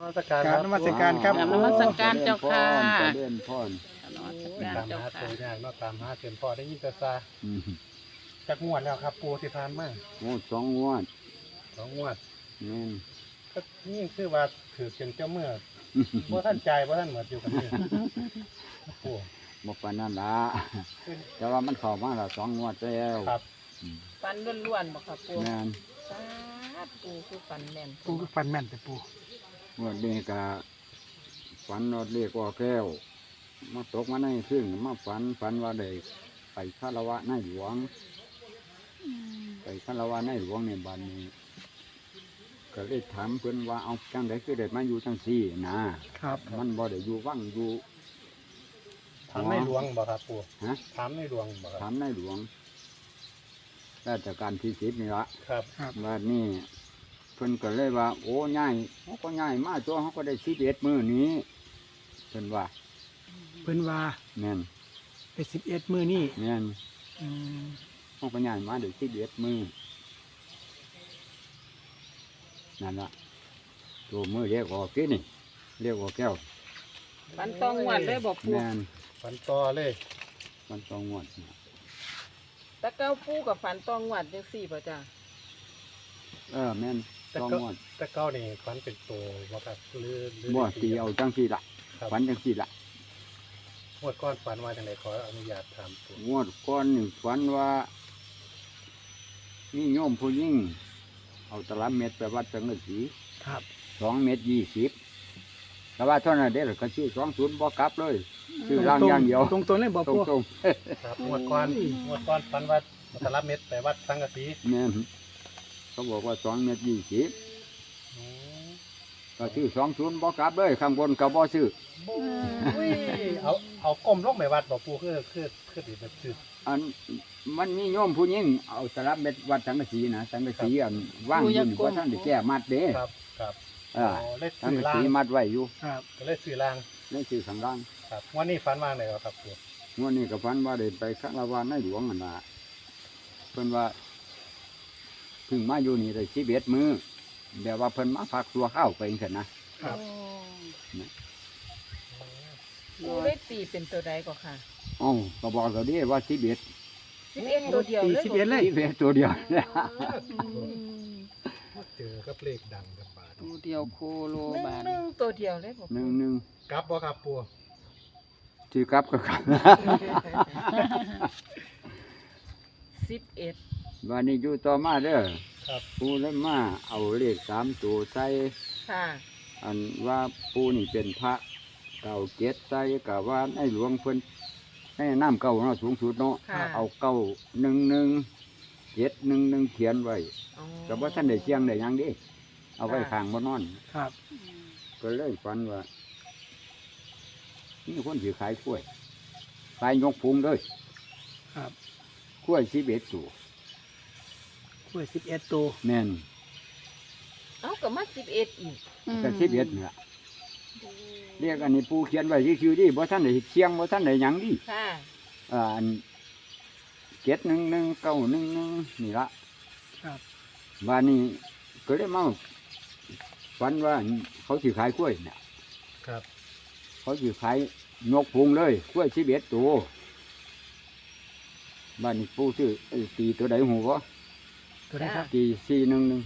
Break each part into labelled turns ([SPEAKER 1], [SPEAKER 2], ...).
[SPEAKER 1] นมัสการครับ
[SPEAKER 2] นมัสการเจ้าค่ะ
[SPEAKER 3] เล่นพ่อน
[SPEAKER 2] นมัสการ
[SPEAKER 1] ตาม
[SPEAKER 2] เจ้า
[SPEAKER 1] หา
[SPEAKER 2] ค่ะ
[SPEAKER 1] ตัวยากเนาะตามหาเต็มพอได้ยินแต่ซา
[SPEAKER 3] อืม
[SPEAKER 1] จักงวดแล้วครับปูที่ผ่านมา
[SPEAKER 3] โอ้สองงวด
[SPEAKER 1] 2 งวด
[SPEAKER 3] แม่น
[SPEAKER 1] ก็นี่คือว่าถือเป็นเจ้าเมื่อบ่ท่านใจายบ่ท่านเหมือนอยู่กันนี่ปู
[SPEAKER 3] บ่ปานนั้นละแต่ว่ามันเข้ามาแล้วสองงวดแล้ว
[SPEAKER 1] ครับ
[SPEAKER 3] อืม
[SPEAKER 2] ฟันล้วนๆบอกค่ะปู
[SPEAKER 3] แม่น
[SPEAKER 2] สาปูคือฟันแม่น
[SPEAKER 1] ปูก็ฟันแม่นแต่ปู
[SPEAKER 3] งวดนี้ก็ฝันว่าเรียกว่าแก้วมาตกมาในขึ้นมาฝันว่าได้ไปคารวะในหลวง ไปคารวะในหลวงในบ้านนี้ ก็เลยถามเพิ่นว่าเอาจังไดคือได้มาอยู่จังซี่นะครับ มันบ่ได้อยู่วังอยู่
[SPEAKER 1] ถามในหลวงบ่ครับปู
[SPEAKER 3] ฮะ
[SPEAKER 1] ถามในหลวงบ่ครับ
[SPEAKER 3] ถามในหลวงราชการที่10นี่ละ
[SPEAKER 1] ครับ
[SPEAKER 3] ว่านี่เพิ่นก็เลยว่า โอ้ง่ายเขาก็ง่ายมากตัวเขาก็ได้11มื้อนี้เพิ่นว่า
[SPEAKER 4] เพิ่นว่า
[SPEAKER 3] แม่น
[SPEAKER 4] ไป11มื้อนี้
[SPEAKER 3] แม่น
[SPEAKER 4] อืม
[SPEAKER 3] เขาก็ง่ายมาได้11มื้อนั่นล่ะตัวมื้อเรียกออกกินนี่เรียกว่าแก้ว
[SPEAKER 2] ฟันต้องหวัดเลยบอกปู
[SPEAKER 3] แม่น
[SPEAKER 1] ฟันต่อเลย
[SPEAKER 3] มันต้องงวด
[SPEAKER 2] ตะเก้าปูกับฟันต้องหวัดจังสี่ป่ะจ้า
[SPEAKER 3] แม่น
[SPEAKER 1] แต่
[SPEAKER 3] ต้อง
[SPEAKER 1] ก็
[SPEAKER 3] งวด
[SPEAKER 1] แต่เก้านี่ฟันเป็นตัวบ่ครับหรือ
[SPEAKER 3] บ่ตีเอาจังซี่ล่ะ
[SPEAKER 1] ครับ
[SPEAKER 3] ฝันจังซี่ล่ะ
[SPEAKER 1] งวดก้อนฝันว่าจังไดขออนุญาตถามปู
[SPEAKER 3] งวดก่อนนี่ฝันว่ามีโยมผู้หญิงเอาตลับเม็ดไปวัดสังกะสี
[SPEAKER 4] ครับ
[SPEAKER 3] 2.20 แต่ว่าเท่านั้นเด้อก็ซื้อ20บ่กลับเลยซื้อร่างอย่างเดียว
[SPEAKER 4] ตรงๆเลยบ่
[SPEAKER 3] ต
[SPEAKER 4] ปู
[SPEAKER 3] รง
[SPEAKER 1] ครับงวดก้อนฝันว่าสลับเม็ดไปวัดสังกะสี
[SPEAKER 3] ๆแม่นเขาบอกว่า2.20
[SPEAKER 1] อืม
[SPEAKER 3] ก็ซื้อ20บ่กลับเลยข้างบนก็บ่ซื้อ
[SPEAKER 1] อุ้ยเอาก้มลงไปวัดบ่ปูคือดีแบบซื้อ
[SPEAKER 3] อันมันมีโยมผู้หญิงเอาตลับเม็ดวัดสังกะสีนะสังกะสีอันว่างอยู่นี่บ่ทันได้แก้มัดเด้
[SPEAKER 1] ครับ
[SPEAKER 3] อ่า
[SPEAKER 1] เล่น
[SPEAKER 3] สัง
[SPEAKER 1] ซื้อก
[SPEAKER 3] ะ
[SPEAKER 1] ล่า
[SPEAKER 3] สี
[SPEAKER 1] ง
[SPEAKER 3] มัดไว้อยู่
[SPEAKER 4] ครับ
[SPEAKER 1] ก็เล่นซื้อล่าง
[SPEAKER 3] เลยซื้อข้างล่าง
[SPEAKER 1] ครับวันนี้ฝันว่าไหนครับปู
[SPEAKER 3] งวดนี้ก็ฝันว่าได้ไปคารวะในหลวงนั่นล่ะเพิ่นว่าเพิ่งมาอยู่นี่ได้11มื้อแบบว่าเพิ่นมาพักตัวข้าวไปจังซั่นนะครับ
[SPEAKER 2] ปูได้ตีเป็นตัวใดก็ค่ะ
[SPEAKER 3] อ้าวก็บอกเขาดิว่า11
[SPEAKER 2] 11ตัวเดียว
[SPEAKER 4] ตี
[SPEAKER 2] เลย
[SPEAKER 4] 11เลย
[SPEAKER 3] 11ตัวเดียว
[SPEAKER 1] เจอกับเลขดังกับบาท
[SPEAKER 2] ตัวเดียวโคโลบานตัวเดียวเลยบอก
[SPEAKER 3] หนึ่ง
[SPEAKER 1] กลับบ่ครับปู
[SPEAKER 3] ที่กลับก็กลับ
[SPEAKER 2] 11
[SPEAKER 3] วันนี้อยู่ต่อมาเด้อ
[SPEAKER 1] ครับ
[SPEAKER 3] ปูเลยมาเอาเลข3ตัวใส่
[SPEAKER 2] ค่ะ
[SPEAKER 3] อันว่าปูนี่เป็นพระเก่าเจ็ดใส่กะว่าในหลวงเพิ่นให้น้ำเก่าเนาะสูงสุดเนาะ
[SPEAKER 2] ค่ะ
[SPEAKER 3] เอาเก่า11 711เขียนไว้
[SPEAKER 2] อ๋อ
[SPEAKER 3] ก็บ่ทันได้เชียงได้หยังเดิเอาไว้ข้างบ่นอน
[SPEAKER 4] ครับ
[SPEAKER 3] ก็เลยฝันว่านี่คนสิขายกล้วยขายยกพุงเลย
[SPEAKER 4] ครับ
[SPEAKER 3] กล้วย11ตัว
[SPEAKER 4] กล้วย11ตัว
[SPEAKER 3] แม่น
[SPEAKER 2] เอ้าก็มา11อีก
[SPEAKER 3] ก็11นี่ล่ะเรียกอันนี้ปูเขียนไว้ซื่อๆดิบ่ทันได้เชียงบ่ทันได้หยังดิ
[SPEAKER 2] ค่ะ
[SPEAKER 3] อัน711 911นี่ละ
[SPEAKER 4] ครับ
[SPEAKER 3] วันนี้ก็เลยมาฝันว่าเขาสิขายกล้วยเนี่ย
[SPEAKER 1] ครับ
[SPEAKER 3] เขาสิขายนกพุงเลยกล้วย11ตัวบ้านนี้ปูซื้อตีตัวใดหูบ่
[SPEAKER 4] ตัวไหนครับ
[SPEAKER 3] ตี411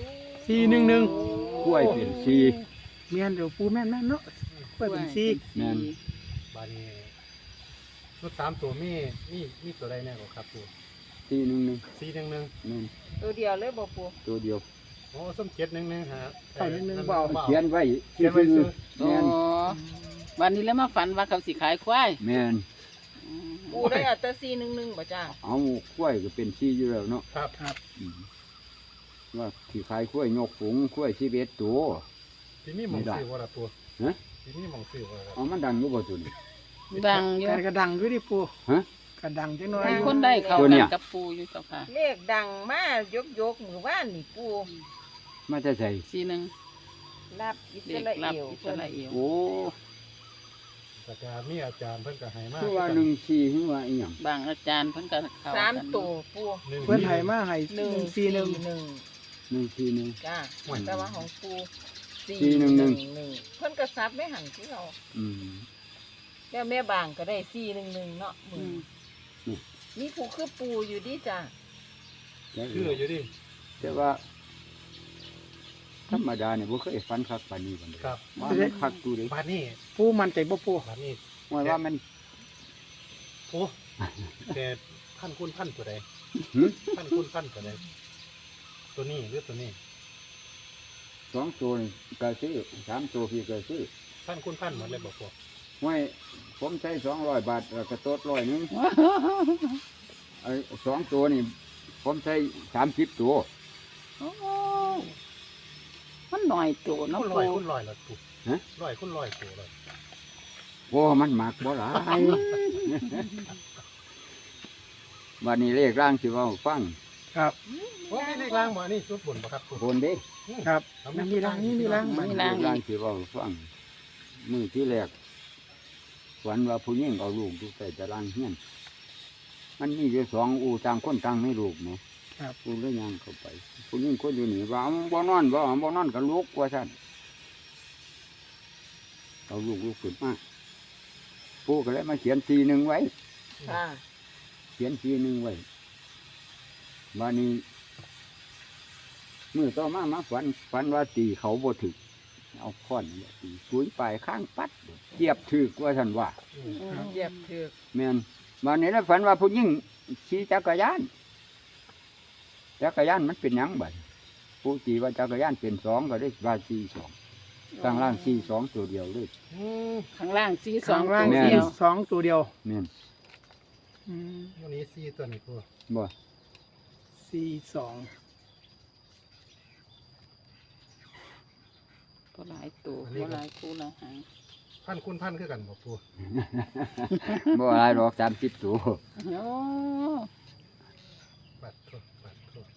[SPEAKER 4] 411
[SPEAKER 3] กล้วยเป็น4
[SPEAKER 4] แม่นเดี๋ยวปูแม่นเนาะกล้วยเป็น4
[SPEAKER 3] แม่น
[SPEAKER 1] บาดนี้รถ3ตัวมีตัวใดแน่บ่ครับปู
[SPEAKER 3] 411
[SPEAKER 1] 411
[SPEAKER 3] แม่น
[SPEAKER 2] ตัวเดียวเลยบอกปู
[SPEAKER 3] ตัวเดียว
[SPEAKER 1] โอ้ส้ม711ฮะ
[SPEAKER 4] เบา
[SPEAKER 3] เขียนไว้
[SPEAKER 1] เขียนไว้ซื้อ
[SPEAKER 3] แม่น
[SPEAKER 2] วันนี้แล้วมาฝันว่าเขาสิขายควาย
[SPEAKER 3] แม่น
[SPEAKER 2] ปูได้เอาแต่411บ่จ้า
[SPEAKER 3] เอากล้วยก็เป็น4อยู่แล้วเนาะ
[SPEAKER 1] ครับ
[SPEAKER 4] ครับ
[SPEAKER 3] อืมว่าสิขายกล้วยยกฝูงกล้วย11ตัว
[SPEAKER 1] ที่นี่หมองซื้อบ่ล่ะปู
[SPEAKER 3] ฮะ
[SPEAKER 1] ที่นี่หมองซื้อบ่ล่ะครับ
[SPEAKER 3] เอามันดังอยู่บ่ตุน
[SPEAKER 2] ดังอยู่
[SPEAKER 4] กระดังอยู่ดิปู
[SPEAKER 3] ฮะ
[SPEAKER 4] กระดังจังน้อย
[SPEAKER 2] มี
[SPEAKER 4] อยู่
[SPEAKER 2] คนได้เขา
[SPEAKER 3] ตัวเนี่
[SPEAKER 2] กั
[SPEAKER 3] ย
[SPEAKER 2] นกับปูอยู่เจ้าค่ะเลขดังมายกมือว่านนี่ปู
[SPEAKER 3] มาจะใส่
[SPEAKER 2] 41รับอิส
[SPEAKER 5] เด็ก
[SPEAKER 2] รา
[SPEAKER 5] รับ
[SPEAKER 2] เอล
[SPEAKER 5] อิสราเอล
[SPEAKER 3] โอ้
[SPEAKER 1] แต่ก็มีอาจารย์เพิ่นก็ให้มา
[SPEAKER 3] คือว่า14คือว่าอีหยัง
[SPEAKER 5] บางอาจารย์เพิ่นก็เข้า
[SPEAKER 2] สาม
[SPEAKER 5] กัน
[SPEAKER 2] ตัวปู
[SPEAKER 4] เพิ่นให้มาให้
[SPEAKER 2] 141
[SPEAKER 4] 141
[SPEAKER 3] 141
[SPEAKER 2] จ้าแต่ว่าของปู 411เพิ่นก็ซับไม่หันที่เรา
[SPEAKER 3] อืม
[SPEAKER 2] แล้วแม่บางก็ได้411เนาะมึงมีผู้คือปูอยู่ดิจ้ะ
[SPEAKER 1] คืออยู่ดิ
[SPEAKER 3] แต่ว่าธรรมดาเนี่ยบ่เคยฝันคักปานนี้บัดนี้
[SPEAKER 1] ครับ
[SPEAKER 3] ว่ามันคักดูดิ
[SPEAKER 1] บ้านนี้
[SPEAKER 4] ปูมันใจบ่ปู
[SPEAKER 1] บ้านนี้
[SPEAKER 3] ว่ามัน
[SPEAKER 1] โอ้แต่พันคุณพันตัวใด
[SPEAKER 3] หึ
[SPEAKER 1] พันคุณพันตัวใดตัวนี้หรือตัวนี้
[SPEAKER 3] สองตัวนี่ก็ซื้อสามตัวพี่ก็ซื้อ
[SPEAKER 1] พันคุณพันหมดเลยบอกพวก
[SPEAKER 3] ไว้ผมใช้200 บาทแล้วก็โต๊ด100นึงไอ้สองตัวนี่ผมใช้30 ตัว
[SPEAKER 5] โอ้มันหน่อยตัวเนาะ
[SPEAKER 1] คุณล
[SPEAKER 5] ปู
[SPEAKER 1] อยคุณลอยละถูก
[SPEAKER 3] ฮะ
[SPEAKER 1] ลอยคุณลอยตัวเลย
[SPEAKER 3] โอ้มันหมักบ่หลาย วันนี้เลขร่างสิเว่าฟัง
[SPEAKER 4] ครับ
[SPEAKER 1] ว่าไม่เลขล่างบ่อันนี่ชุดบนบ่ครับ
[SPEAKER 3] โคนเด้
[SPEAKER 4] ครับ
[SPEAKER 1] เอา
[SPEAKER 4] มันมีรังนี่มีรัง
[SPEAKER 3] เลขร่างสิเว่าฟังมือที่แรกฝันว่าผู้หญิงเอาลูกอยู่ใส่ตารางเฮียนมันมีอยู่2อูต่างคนต่างไม่ลูกเนาะ
[SPEAKER 4] ครับ
[SPEAKER 3] กูเลยย่างเข้าไปผู้หญิงคนอยู่นี่ว่าบ่นอนบ่นอนก็ลุกว่าซั่นเอาลูกขึ้นมาปู่ก็เลยมาเขียน41ไว้
[SPEAKER 2] ค่ะ
[SPEAKER 3] เขียน41ไว้วันนี้มือต่อมาฝันว่าตีเขาบ่ถึกเอาค้อนนี่ตีปุ้ยปลายข้างปัดเจียบถึกว่าซั่นว่า
[SPEAKER 2] เหยียบถือก
[SPEAKER 3] แม่นวันนี้แล้วฝันว่าผู้หญิงขี่จักรยานมันเป็นหยังบัดผู้ตีว่าจักรยานเป็น2ก็ได้ว่า42ข้างล่าง42ตัวเดียวเลย
[SPEAKER 1] อืม
[SPEAKER 5] ข้างล่างสีส
[SPEAKER 4] ส
[SPEAKER 5] อ
[SPEAKER 4] อง งร่าง
[SPEAKER 3] แม่
[SPEAKER 4] สี่
[SPEAKER 3] น
[SPEAKER 4] สองตัวเดียว
[SPEAKER 3] แม่น
[SPEAKER 4] อืม
[SPEAKER 1] วันนี้ซีตัวนี้พวก
[SPEAKER 3] บ่
[SPEAKER 4] สี่สอง
[SPEAKER 5] ก็หลายตัวก็หลายคู่หลายหาง
[SPEAKER 1] พันคุณพันคือกันบ่พวก
[SPEAKER 3] บ่อะไรหรอก30ตัว
[SPEAKER 5] โอ้
[SPEAKER 1] ปัดโทษปัดโทษ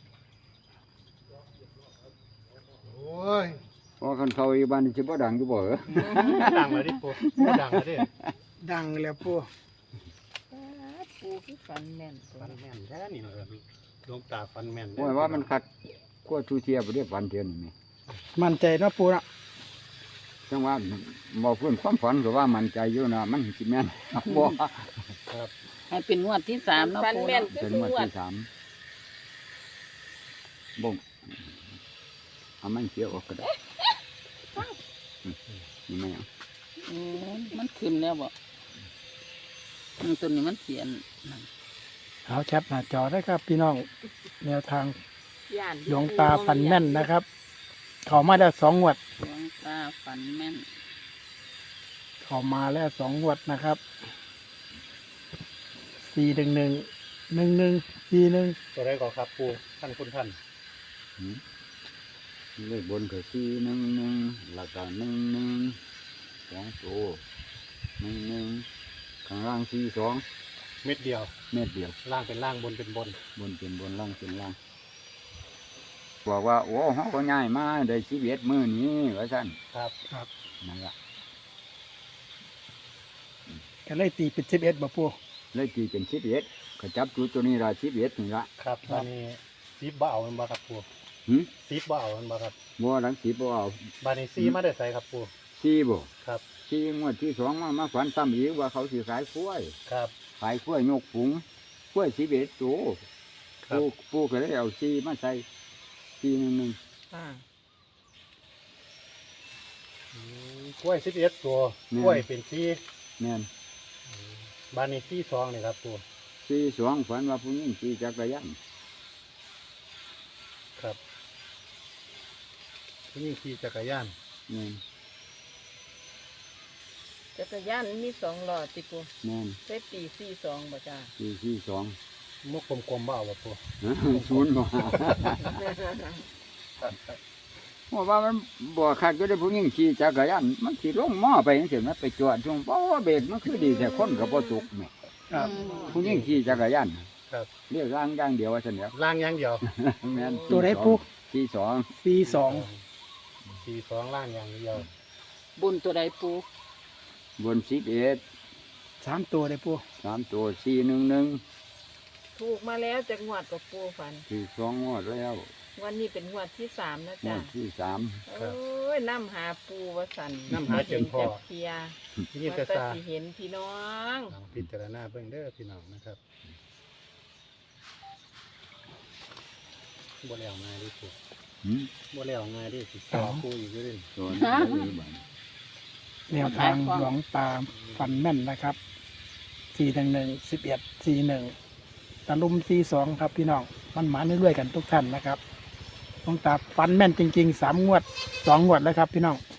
[SPEAKER 1] โอ้ย
[SPEAKER 3] พอคันเขาอีบ้านนี่สิบ่ดังอยู่บ่เหรอ
[SPEAKER 1] ดังเลยดิพวกดังเลยดิ
[SPEAKER 4] ดังแล้วปู
[SPEAKER 2] ปูคือฝันแม่นตัว
[SPEAKER 1] ฟันแม่นแท้นี่เลยดวงตาฟันแม่น
[SPEAKER 3] โอ้ยว่ามันคัดกว่าทูเทียบ่ได้ฝันเทื่อนี่แหม
[SPEAKER 4] มันใจเนาะปูเนาะ
[SPEAKER 3] จังว่าบ่ฟื้นความฝันก็ว่ามั่นใจอยู่นะมันสิแม่น บ่
[SPEAKER 5] ให้เป็นงวดที่3เนาะ
[SPEAKER 2] ฝัน
[SPEAKER 5] ปู
[SPEAKER 2] แม่น
[SPEAKER 5] เนาะ
[SPEAKER 2] คือ
[SPEAKER 3] เป็น
[SPEAKER 2] ทุ
[SPEAKER 3] ง
[SPEAKER 2] ก
[SPEAKER 3] วด
[SPEAKER 2] งวด
[SPEAKER 3] ที่3บ่งเอามันเสียออกก็ได้นี่แม่เอา
[SPEAKER 5] มันขึ้นแล้วบ่ตัวนี้มันเขียน
[SPEAKER 4] เอาแคปหน้าจอได้ครับ พี่น้องแนวทาง
[SPEAKER 2] ย่าน
[SPEAKER 4] หลวงตาฟันแม่นนะครับ เขามาแล้ว2 งวด
[SPEAKER 5] หลวงตาฝันแม่น
[SPEAKER 4] เขามาแล้ว2 งวดนะครับ4111141
[SPEAKER 1] ตัวใดก่อนครับปูพันคุณพัน
[SPEAKER 3] หืมเลขบนก็411แล้วก็11 2ตัว11ข้างล่าง42
[SPEAKER 1] เม็ดเดียว
[SPEAKER 3] เม็ดเดียว
[SPEAKER 1] ล่างเป็นล่างบนเป็นบน
[SPEAKER 3] บนเป็นบนล่างเป็นล่างบอกว่าโอ้เขาก็ง่ายมาได้11มื้อนี้ว่าซั่น
[SPEAKER 1] ครับ
[SPEAKER 4] ครับ
[SPEAKER 3] นั่นล่ะ
[SPEAKER 4] ก็เลยตีเป็น11บ่ปู
[SPEAKER 3] เลยตีเป็น11ก็จับจุดตัวนี้ล่ะ11นี่ล่ะ
[SPEAKER 1] ครับตอนนี้ซีบบ่เอามันบ่ครับปู
[SPEAKER 3] หึ
[SPEAKER 1] ซีบบ่เอามันบ่ครับ
[SPEAKER 3] บ่หลัง10บ่เอา
[SPEAKER 1] บานนี้ซีมาได้ใส่ครับปู
[SPEAKER 3] 4บ่
[SPEAKER 1] ครับ
[SPEAKER 3] 4งวดที่2มาฝันซ้ำอีกว่าเขาสิขายกล้วย
[SPEAKER 1] ครับ
[SPEAKER 3] ขายกล้วยยกฝูงกล้วย11ตัว
[SPEAKER 1] ครับ
[SPEAKER 3] ปู่ก็เลยเอา4มาใส่411
[SPEAKER 2] ค่ะ
[SPEAKER 1] กล้วย11ตัว
[SPEAKER 3] แม่น
[SPEAKER 1] กล้วยเป็นซี
[SPEAKER 3] แม่น
[SPEAKER 1] บานนี้ซี2นี่ครับปู
[SPEAKER 3] 42ฝันว่าผู้หญิงขี่จักรยาน
[SPEAKER 1] ครับนี่ขี่จักรยาน
[SPEAKER 3] แม่น
[SPEAKER 2] จักรยานมี2ล้อติปู
[SPEAKER 3] แม่น
[SPEAKER 2] ใช้ปี42บ่จ้า
[SPEAKER 3] 42
[SPEAKER 1] มุกกลมๆบ่เอาบ่ปู
[SPEAKER 3] ศูนย์บ่ ว่ามันบ่คักก็ได้ผู้หญิงขี่จักรยานมันสิลงหม้อไปจังซี่มันไปจอดช่วงบ่ว่าเบรกมันคือดีแต่คนก็บ่ตกแหม่
[SPEAKER 4] ครับ
[SPEAKER 3] ผู้หญิงขี่จักรยาน
[SPEAKER 1] ครับ
[SPEAKER 3] เรียกร่างอย่างเดียวว่าซั่นแหล้ว
[SPEAKER 1] ล่างอย่างเดียว
[SPEAKER 3] แม่น
[SPEAKER 4] ตัวไหนปู
[SPEAKER 3] 42
[SPEAKER 4] 42
[SPEAKER 1] 42ล่างอย่างเดียว
[SPEAKER 5] บุญตัวใดปู
[SPEAKER 3] บน11
[SPEAKER 4] 3 ตัวเลยปู
[SPEAKER 3] 3ตัว411
[SPEAKER 2] ถูกมาแล้วจากงวดกับปูฝัน
[SPEAKER 3] คือ2งวดแล้ว
[SPEAKER 2] วันนี้เป็นงวดที่3นะ
[SPEAKER 3] ง
[SPEAKER 2] จ๊ะ
[SPEAKER 3] วดที่สาม
[SPEAKER 2] โอ้ยน้ำหาปูวสัน
[SPEAKER 1] น้ำหาจนพอ
[SPEAKER 2] เพีย
[SPEAKER 1] นี่
[SPEAKER 2] มัน
[SPEAKER 1] ก็
[SPEAKER 2] ก็
[SPEAKER 1] ซา
[SPEAKER 2] สิเห็นพี่น้อง
[SPEAKER 1] ลองพิจารณาเบิ่งเด้อพี่น้องนะครับบ่แล้วง่ายดิสิ
[SPEAKER 3] หืม
[SPEAKER 1] บ่แล้วง่ายดิสิสอปูอีกอยู่ดิ
[SPEAKER 3] ตัวนี้ได้เลยบ้าน
[SPEAKER 4] แนวทางหลวงตาฟันแม่นนะครับ411 1141ตะลุม42ครับพี่น้องมันหมาเรื่อยๆกันทุกท่านนะครับหลวงตาฟันแม่นจริงๆ3 งวด 2 งวดแล้วครับพี่น้อง